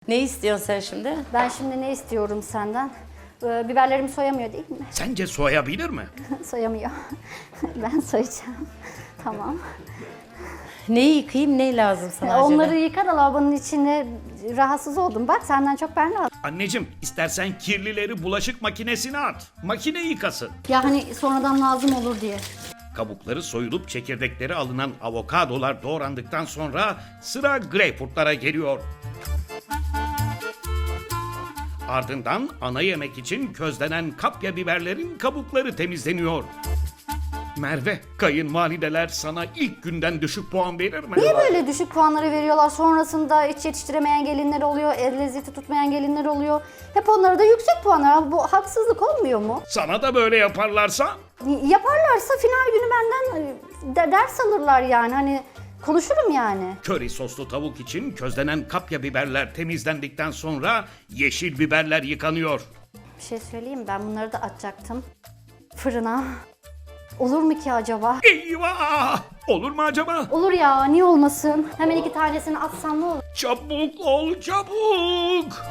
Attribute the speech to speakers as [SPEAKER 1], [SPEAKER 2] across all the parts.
[SPEAKER 1] Ne istiyorsun sen şimdi?
[SPEAKER 2] Ben şimdi ne istiyorum senden? Biberlerimi soyamıyor değil mi?
[SPEAKER 3] Sence soyabilir mi?
[SPEAKER 2] Soyamıyor. Ben soyacağım. Tamam.
[SPEAKER 1] Neyi yıkayayım, ne lazım sana acaba?
[SPEAKER 2] Onları yıka da lavabonun içine rahatsız oldum. Bak senden çok ben rahatsız.
[SPEAKER 3] Anneciğim istersen kirlileri bulaşık makinesine at. Makine yıkasın.
[SPEAKER 2] Ya hani sonradan lazım olur diye.
[SPEAKER 3] Kabukları soyulup çekirdekleri alınan avokadolar doğrandıktan sonra sıra greyfurtlara geliyor. Ardından ana yemek için közlenen kapya biberlerin kabukları temizleniyor. Merve, kayınvalideler sana ilk günden düşük puan verir mi?
[SPEAKER 2] Niye böyle düşük puanları veriyorlar? Sonrasında hiç yetiştiremeyen gelinler oluyor, el lezzeti tutmayan gelinler oluyor. Hep onlara da yüksek puanlar. Bu haksızlık olmuyor mu?
[SPEAKER 3] Sana da böyle yaparlarsa?
[SPEAKER 2] Yaparlarsa final günü benden ders alırlar yani. Hani konuşurum yani.
[SPEAKER 3] Köri soslu tavuk için közlenen kapya biberler temizlendikten sonra yeşil biberler yıkanıyor.
[SPEAKER 2] Bir şey söyleyeyim, ben bunları da atacaktım fırına. Olur mu ki acaba?
[SPEAKER 3] Eyvah! Olur mu acaba?
[SPEAKER 2] Olur ya, niye olmasın? Hemen 2 tanesini atsam ne olur?
[SPEAKER 3] Çabuk ol, çabuk!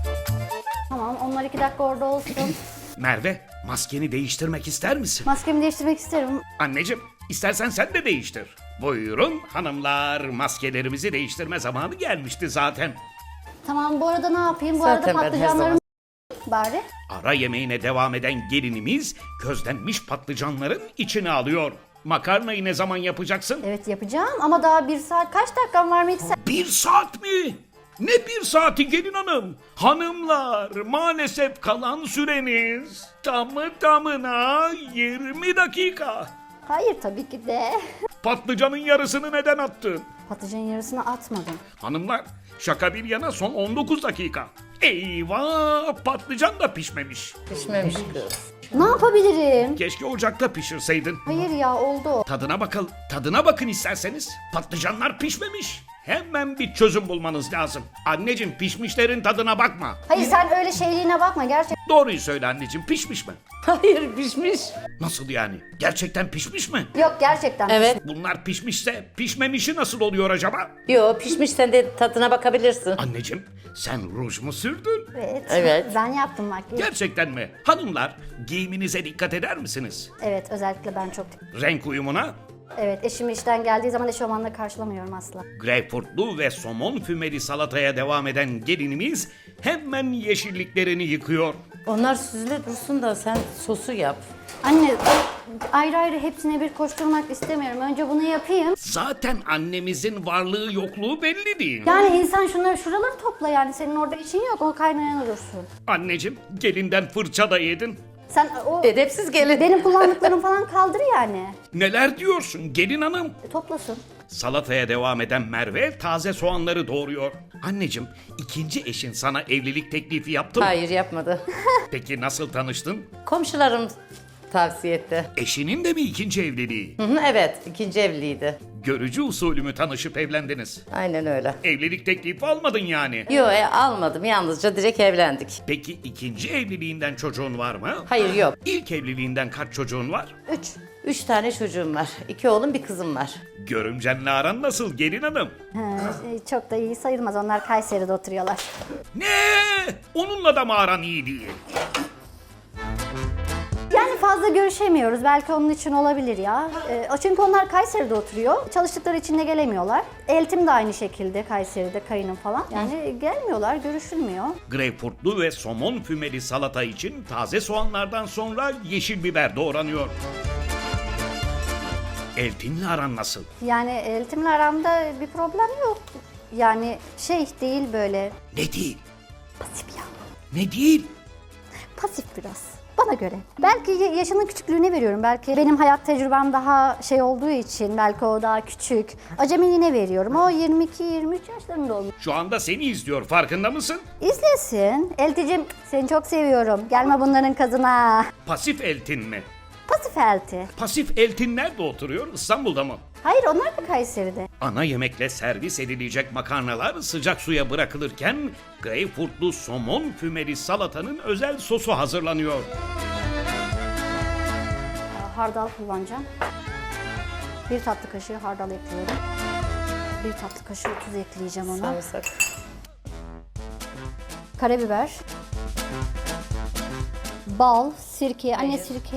[SPEAKER 2] Tamam, onlar 2 dakika orada olsun.
[SPEAKER 3] Merve, maskeni değiştirmek ister misin?
[SPEAKER 2] Maskemi değiştirmek isterim.
[SPEAKER 3] Anneciğim, istersen sen de değiştir. Buyurun hanımlar, maskelerimizi değiştirme zamanı gelmişti zaten.
[SPEAKER 2] Tamam, bu arada ne yapayım? Bu
[SPEAKER 1] Zaten
[SPEAKER 2] arada
[SPEAKER 1] ben her
[SPEAKER 2] patlıcanlarım bari.
[SPEAKER 3] Ara yemeğine devam eden gelinimiz közlenmiş patlıcanların içine alıyor. Makarnayı ne zaman yapacaksın?
[SPEAKER 2] Evet yapacağım ama daha 1 saat kaç dakikam var mikser?
[SPEAKER 3] 1 saat mi? Ne 1 saati gelin hanım? Hanımlar, maalesef kalan süreniz tamı tamına 20 dakika.
[SPEAKER 2] Hayır tabii ki de.
[SPEAKER 3] Patlıcanın yarısını neden attın?
[SPEAKER 2] Patlıcanın yarısını atmadım.
[SPEAKER 3] Hanımlar, şaka bir yana son 19 dakika. Eyvah, patlıcan da pişmemiş.
[SPEAKER 1] Pişmemiş kız.
[SPEAKER 2] Ne yapabilirim?
[SPEAKER 3] Keşke ocakta pişirseydin.
[SPEAKER 2] Hayır ya, oldu o.
[SPEAKER 3] Tadına bakın isterseniz. Patlıcanlar pişmemiş. Hemen bir çözüm bulmanız lazım. Anneciğim, pişmişlerin tadına bakma.
[SPEAKER 2] Hayır sen öyle şeyliğine bakma gerçekten.
[SPEAKER 3] Doğruyu söyle anneciğim, pişmiş mi?
[SPEAKER 1] Hayır, pişmiş.
[SPEAKER 3] Nasıl yani? Gerçekten pişmiş mi?
[SPEAKER 2] Yok gerçekten.
[SPEAKER 1] Evet.
[SPEAKER 3] Bunlar pişmişse pişmemişi nasıl oluyor acaba?
[SPEAKER 1] Yo, pişmiş, sen de tadına bakabilirsin.
[SPEAKER 3] Anneciğim, sen ruj mu sürdün?
[SPEAKER 2] Evet.
[SPEAKER 1] Evet.
[SPEAKER 2] Ben yaptım makyajı.
[SPEAKER 3] Gerçekten mi? Hanımlar, giyiminize dikkat eder misiniz?
[SPEAKER 2] Evet, özellikle ben çok.
[SPEAKER 3] Renk uyumuna?
[SPEAKER 2] Evet, eşim işten geldiği zaman eşofmanla karşılamıyorum asla.
[SPEAKER 3] Greyfurtlu ve somon fümeli salataya devam eden gelinimiz hemen yeşilliklerini yıkıyor.
[SPEAKER 1] Onlar süzüle dursun da sen sosu yap.
[SPEAKER 2] Anne, ayrı ayrı hepsine bir koşturmak istemiyorum. Önce bunu yapayım.
[SPEAKER 3] Zaten annemizin varlığı yokluğu belli değil.
[SPEAKER 2] Yani insan şuraları topla yani. Senin orada işin yok, o kaynayan dursun.
[SPEAKER 3] Anneciğim, gelinden fırça da yedin.
[SPEAKER 2] Sen o
[SPEAKER 1] Edepsiz gelin.
[SPEAKER 2] benim kullandıklarım falan kaldır yani.
[SPEAKER 3] Neler diyorsun gelin hanım?
[SPEAKER 2] Toplasın.
[SPEAKER 3] Salataya devam eden Merve taze soğanları doğruyor. Anneciğim, ikinci eşin sana evlilik teklifi yaptı mı?
[SPEAKER 1] Hayır, yapmadı.
[SPEAKER 3] Peki nasıl tanıştın?
[SPEAKER 1] Komşularım tavsiye etti.
[SPEAKER 3] Eşinin de mi ikinci evliliği?
[SPEAKER 1] Hı hı, evet, ikinci evliydi.
[SPEAKER 3] Görücü usulü mü tanışıp evlendiniz?
[SPEAKER 1] Aynen öyle.
[SPEAKER 3] Evlilik teklifi almadın yani.
[SPEAKER 1] Yo, almadım. Yalnızca direkt evlendik.
[SPEAKER 3] Peki ikinci evliliğinden çocuğun var mı?
[SPEAKER 1] Hayır, yok.
[SPEAKER 3] İlk evliliğinden kaç çocuğun var?
[SPEAKER 2] 3.
[SPEAKER 1] 3 tane çocuğum var. 2 oğlum, bir kızım var.
[SPEAKER 3] Görümcenle aran nasıl gelin hanım?
[SPEAKER 2] Çok da iyi sayılmaz. Onlar Kayseri'de oturuyorlar.
[SPEAKER 3] Ne? Onunla da mı aran iyi değil?
[SPEAKER 2] Yani fazla görüşemiyoruz. Belki onun için olabilir ya. Çünkü onlar Kayseri'de oturuyor. Çalıştıkları için de gelemiyorlar. Eltim de aynı şekilde Kayseri'de, kayınım falan. Yani gelmiyorlar, görüşülmüyor.
[SPEAKER 3] Greyfurtlu ve somon fümeli salata için taze soğanlardan sonra yeşil biber doğranıyor. Eltinle aran nasıl?
[SPEAKER 2] Yani eltimle aramda bir problem yok. Yani şey değil böyle
[SPEAKER 3] Ne değil?
[SPEAKER 2] pasif ya.
[SPEAKER 3] Ne değil?
[SPEAKER 2] Pasif biraz. Bana göre. Belki yaşının küçüklüğüne veriyorum. Belki benim hayat tecrübem daha şey olduğu için, belki o daha küçük. Acemiliğine veriyorum. O 22-23 yaşlarında olmuş.
[SPEAKER 3] Şu anda seni izliyor, farkında mısın?
[SPEAKER 2] İzlesin. Elticim seni çok seviyorum. Gelme bunların kazına.
[SPEAKER 3] Pasif eltin mi?
[SPEAKER 2] Pasif elti.
[SPEAKER 3] Pasif eltin nerede oturuyor? İstanbul'da mı?
[SPEAKER 2] Hayır onlar da Kayseri'de.
[SPEAKER 3] Ana yemekle servis edilecek makarnalar sıcak suya bırakılırken greyfurtlu somon fümeli salatanın özel sosu hazırlanıyor.
[SPEAKER 2] Hardal kullanacağım. 1 tatlı kaşığı hardal ekliyorum. 1 tatlı kaşığı tuz ekleyeceğim ona.
[SPEAKER 1] Sarımsak.
[SPEAKER 2] karabiber, bal, sirke, anne sirke.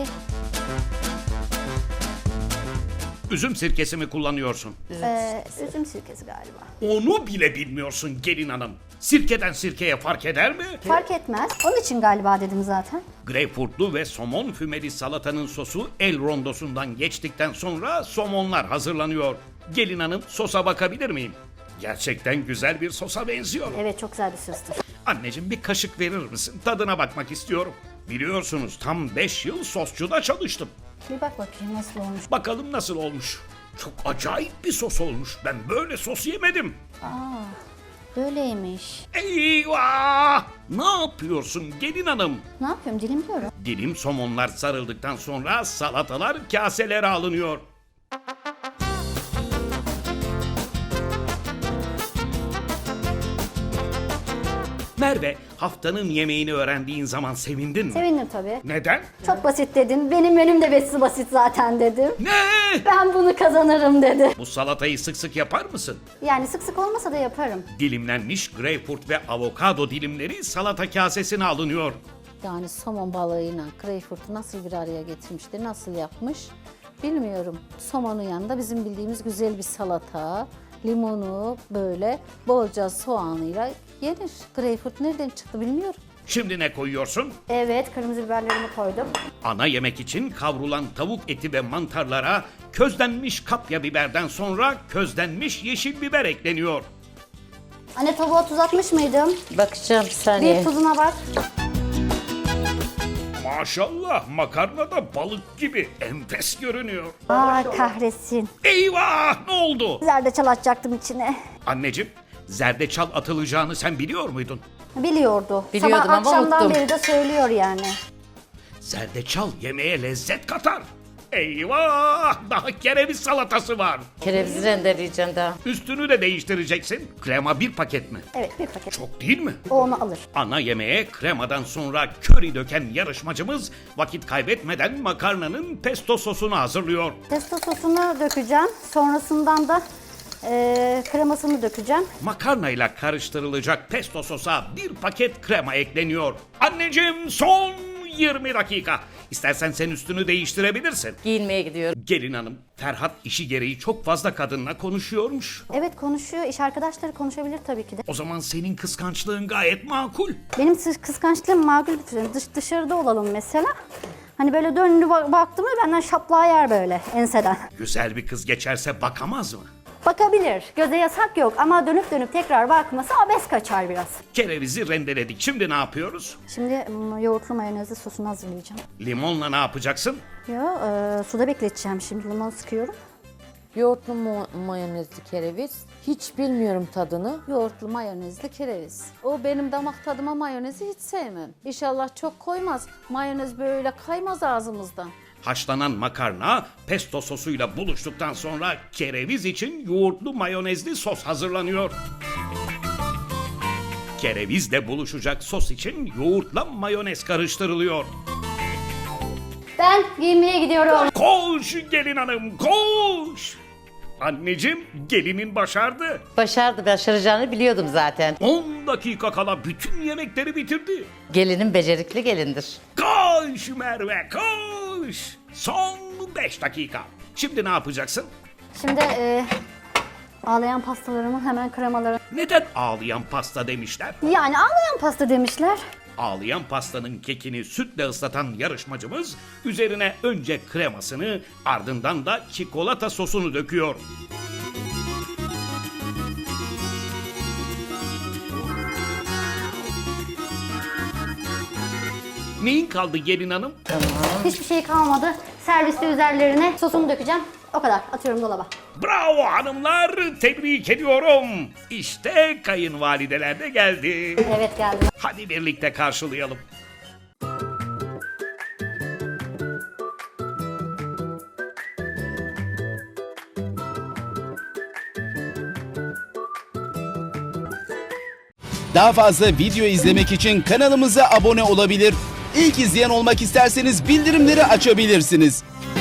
[SPEAKER 3] Üzüm sirkesi mi kullanıyorsun?
[SPEAKER 2] Üzüm sirkesi galiba.
[SPEAKER 3] Onu bile bilmiyorsun gelin hanım. Sirkeden sirkeye fark eder mi?
[SPEAKER 2] Fark etmez. Onun için galiba dedim zaten.
[SPEAKER 3] Greyfurtlu ve somon fümeli salatanın sosu el rondosundan geçtikten sonra somonlar hazırlanıyor. Gelin hanım, sosa bakabilir miyim? Gerçekten güzel bir sosa benziyor.
[SPEAKER 2] Evet, çok güzel bir sostur.
[SPEAKER 3] Anneciğim, bir kaşık verir misin? Tadına bakmak istiyorum. Biliyorsunuz tam 5 yıl sosçuda çalıştım.
[SPEAKER 2] Bir bak bakayım nasıl olmuş.
[SPEAKER 3] Bakalım nasıl olmuş. Çok acayip bir sos olmuş. Ben böyle sos yemedim.
[SPEAKER 2] Böyleymiş.
[SPEAKER 3] Eyvah! Ne yapıyorsun gelin hanım?
[SPEAKER 2] Ne yapıyorum? Dilimliyorum.
[SPEAKER 3] Dilim somonlar sarıldıktan sonra salatalar kaselere alınıyor. Merve, haftanın yemeğini öğrendiğin zaman sevindin mi?
[SPEAKER 2] Sevindim tabii.
[SPEAKER 3] Neden?
[SPEAKER 2] Çok basit dedin. Benim menüm de basit zaten dedim.
[SPEAKER 3] Ne?
[SPEAKER 2] Ben bunu kazanırım dedi.
[SPEAKER 3] Bu salatayı sık sık yapar mısın?
[SPEAKER 2] Yani sık sık olmasa da yaparım.
[SPEAKER 3] Dilimlenmiş greyfurt ve avokado dilimleri salata kasesine alınıyor.
[SPEAKER 4] Yani somon balığıyla greyfurtu nasıl bir araya getirmiştir, nasıl yapmış bilmiyorum. Somonun yanında bizim bildiğimiz güzel bir salata, limonu böyle bolca soğanıyla yenir. Greyfurt nereden çıktı bilmiyorum.
[SPEAKER 3] Şimdi ne koyuyorsun?
[SPEAKER 2] Evet, kırmızı biberlerimi koydum.
[SPEAKER 3] Ana yemek için kavrulan tavuk eti ve mantarlara közlenmiş kapya biberden sonra közlenmiş yeşil biber ekleniyor.
[SPEAKER 2] Anne, tavuğa tuz atmış mıydım?
[SPEAKER 4] Bakacağım bir saniye.
[SPEAKER 2] Bir tuzuna bak.
[SPEAKER 3] Maşallah, makarna da balık gibi enfes görünüyor.
[SPEAKER 2] Kahretsin.
[SPEAKER 3] Eyvah, ne oldu?
[SPEAKER 2] Zerdeçal atacaktım içine.
[SPEAKER 3] Anneciğim, zerdeçal atılacağını sen biliyor muydun?
[SPEAKER 2] Biliyordu.
[SPEAKER 4] Biliyordum
[SPEAKER 2] Sabah
[SPEAKER 4] ama
[SPEAKER 2] akşamdan
[SPEAKER 4] unuttum.
[SPEAKER 2] beri de söylüyor yani.
[SPEAKER 3] Zerdeçal yemeğe lezzet katar. Eyvah, daha kereviz salatası var.
[SPEAKER 4] Kerevizi rendeleyeceğim daha.
[SPEAKER 3] Üstünü de değiştireceksin. Krema bir paket mi?
[SPEAKER 2] Evet, bir paket.
[SPEAKER 3] Çok değil mi?
[SPEAKER 2] O onu alır.
[SPEAKER 3] Ana yemeğe kremadan sonra köri döken yarışmacımız vakit kaybetmeden makarnanın pesto sosunu hazırlıyor.
[SPEAKER 2] Pesto sosunu dökeceğim. Sonrasından da kremasını dökeceğim.
[SPEAKER 3] Makarnayla karıştırılacak pesto sosa bir paket krema ekleniyor. Anneciğim, son 20 dakika. İstersen sen üstünü değiştirebilirsin.
[SPEAKER 4] Giyinmeye gidiyorum.
[SPEAKER 3] Gelin hanım, Ferhat işi gereği çok fazla kadınla konuşuyormuş.
[SPEAKER 2] Evet, konuşuyor. İş arkadaşları konuşabilir tabii ki de.
[SPEAKER 3] O zaman senin kıskançlığın gayet makul.
[SPEAKER 2] Benim kıskançlığım makul. Dışarıda olalım mesela. Hani böyle döndü baktı mı benden şaplağı yer böyle enseden.
[SPEAKER 3] Güzel bir kız geçerse bakamaz mı?
[SPEAKER 2] Bakabilir. Göze yasak yok ama dönüp dönüp tekrar bakması abes kaçar biraz.
[SPEAKER 3] Kerevizi rendeledik. Şimdi ne yapıyoruz?
[SPEAKER 2] Şimdi yoğurtlu mayonezli sosunu hazırlayacağım.
[SPEAKER 3] Limonla ne yapacaksın?
[SPEAKER 2] Suda bekleteceğim şimdi. Limon sıkıyorum.
[SPEAKER 4] Yoğurtlu mayonezli kereviz. Hiç bilmiyorum tadını.
[SPEAKER 2] Yoğurtlu mayonezli kereviz.
[SPEAKER 4] O benim damak tadıma mayonezi hiç sevmem. İnşallah çok koymaz. Mayonez böyle kaymaz ağzımızdan.
[SPEAKER 3] Haşlanan makarna pesto sosuyla buluştuktan sonra kereviz için yoğurtlu mayonezli sos hazırlanıyor. Kerevizle buluşacak sos için yoğurtla mayonez karıştırılıyor.
[SPEAKER 2] Ben giyinmeye gidiyorum.
[SPEAKER 3] Koş gelin hanım, koş! Anneciğim, gelinin başardı.
[SPEAKER 4] Başaracağını biliyordum zaten.
[SPEAKER 3] 10 dakika kala bütün yemekleri bitirdi.
[SPEAKER 4] Gelinin becerikli gelindir.
[SPEAKER 3] Koş Merve, koş! Son 5 dakika. Şimdi ne yapacaksın?
[SPEAKER 2] Şimdi ağlayan pastalarımın hemen kremaları.
[SPEAKER 3] Neden ağlayan pasta demişler?
[SPEAKER 2] Yani ağlayan pasta demişler.
[SPEAKER 3] Ağlayan pastanın kekini sütle ıslatan yarışmacımız üzerine önce kremasını ardından da çikolata sosunu döküyor. Neyin kaldı gelin hanım?
[SPEAKER 2] Hiçbir şey kalmadı. Serviste üzerlerine sosumu dökeceğim. O kadar. Atıyorum dolaba.
[SPEAKER 3] Bravo hanımlar, tebrik ediyorum. İşte kayınvalideler de geldi.
[SPEAKER 2] Evet, geldim.
[SPEAKER 3] Hadi birlikte karşılayalım.
[SPEAKER 5] Daha fazla video izlemek için kanalımıza abone olabilir. İlk izleyen olmak isterseniz bildirimleri açabilirsiniz.